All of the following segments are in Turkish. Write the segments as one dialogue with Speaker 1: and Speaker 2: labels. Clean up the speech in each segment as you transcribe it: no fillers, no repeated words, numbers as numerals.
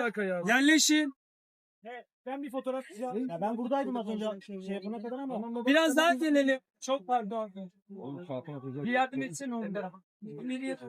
Speaker 1: alaka ya? Yerleşin.
Speaker 2: Ben bir fotoğraf çizeceğim. Ya ben buradaydım az önce şey yapana kadar ama.
Speaker 1: Biraz daha gelelim. Çok pardon. Bir yardım etsene onlara. Nereye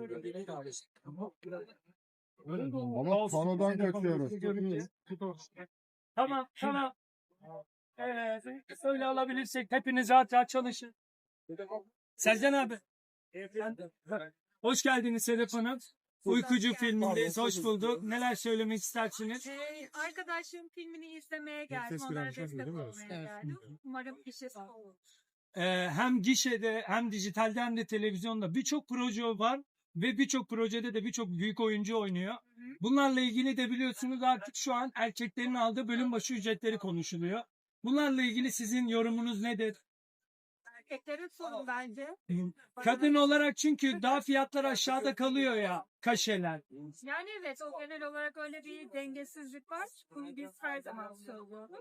Speaker 3: Ama panodan kaçıyoruz.
Speaker 1: Tamam tamam. Evet. Söyle alabilirsek hepiniz rahat rahat çalışın. Sercan abi. Hoş geldiniz Sedef Hanım. Uykucu filmindeyiz. Hoş bulduk. Neler söylemek istersiniz?
Speaker 4: Arkadaşım filmini izlemeye geldim. Onlara destek olmaya geldim. Umarım gişesi olur.
Speaker 1: Hem gişede hem dijitalde hem de televizyonda birçok proje var ve birçok projede de birçok büyük oyuncu oynuyor. Bunlarla ilgili de biliyorsunuz artık şu an erkeklerin aldığı bölüm başı ücretleri konuşuluyor. Bunlarla ilgili sizin yorumunuz nedir?
Speaker 4: Erkeklerin sorun bence.
Speaker 1: Kadın olarak çünkü daha fiyatlar aşağıda kalıyor ya, kaşeler.
Speaker 4: Yani evet, o genel olarak öyle bir dengesizlik var. Bunu biz her zaman söylüyoruz.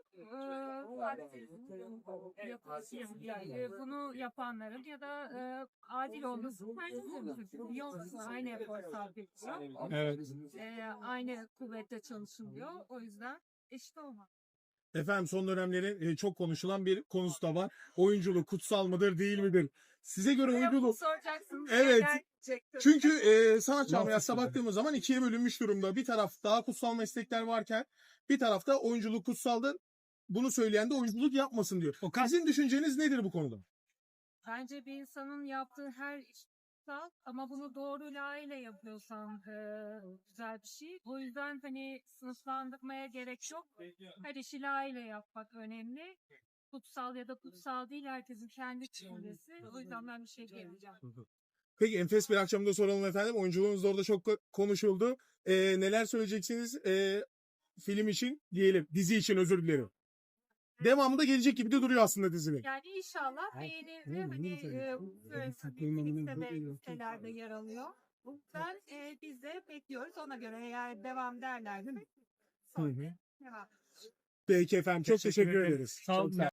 Speaker 4: Bunu yapanların ya da adil olması tercih yoksa aynı efor sarf ediliyor.
Speaker 1: Evet.
Speaker 4: Aynı kuvvette çalışılıyor. O yüzden eşit olmaz.
Speaker 3: Efendim son dönemlerin çok konuşulan bir konusu da var. Oyunculuk kutsal mıdır değil midir? Size göre oyunculuk...
Speaker 4: Soracaksınız.
Speaker 3: Evet.
Speaker 4: Gerçekten.
Speaker 3: Çünkü sanat camiasına baktığımız zaman ikiye bölünmüş durumda. Bir taraf daha kutsal meslekler varken bir tarafta oyunculuk kutsaldır. Bunu söyleyen de oyunculuk yapmasın diyor. Sizin düşünceniz nedir bu konuda?
Speaker 4: Bence bir insanın yaptığı her iş kutsal ama bunu doğru layığıyla yapıyorsan güzel bir şey. O yüzden hani sınıflandırmaya gerek yok. Her işi layığıyla yapmak önemli. Kutsal ya da kutsal değil, herkesin kendi düşüncesi. O yüzden ben bir şey diyemeyeceğim.
Speaker 3: Peki enfes bir akşamda soralım efendim. Oyunculuğunuz da orada çok konuşuldu. Neler söyleyeceksiniz film için diyelim. Dizi için özür dilerim. Devamında gelecek gibi de duruyor aslında dizinin.
Speaker 4: Yani inşallah beğenir ve hani sitelerde yer alıyor. Ben biz de bekliyoruz. Ona göre eğer devam derlerse sonra devam.
Speaker 3: Peki efendim çok teşekkür ederiz.
Speaker 1: Sağ olun.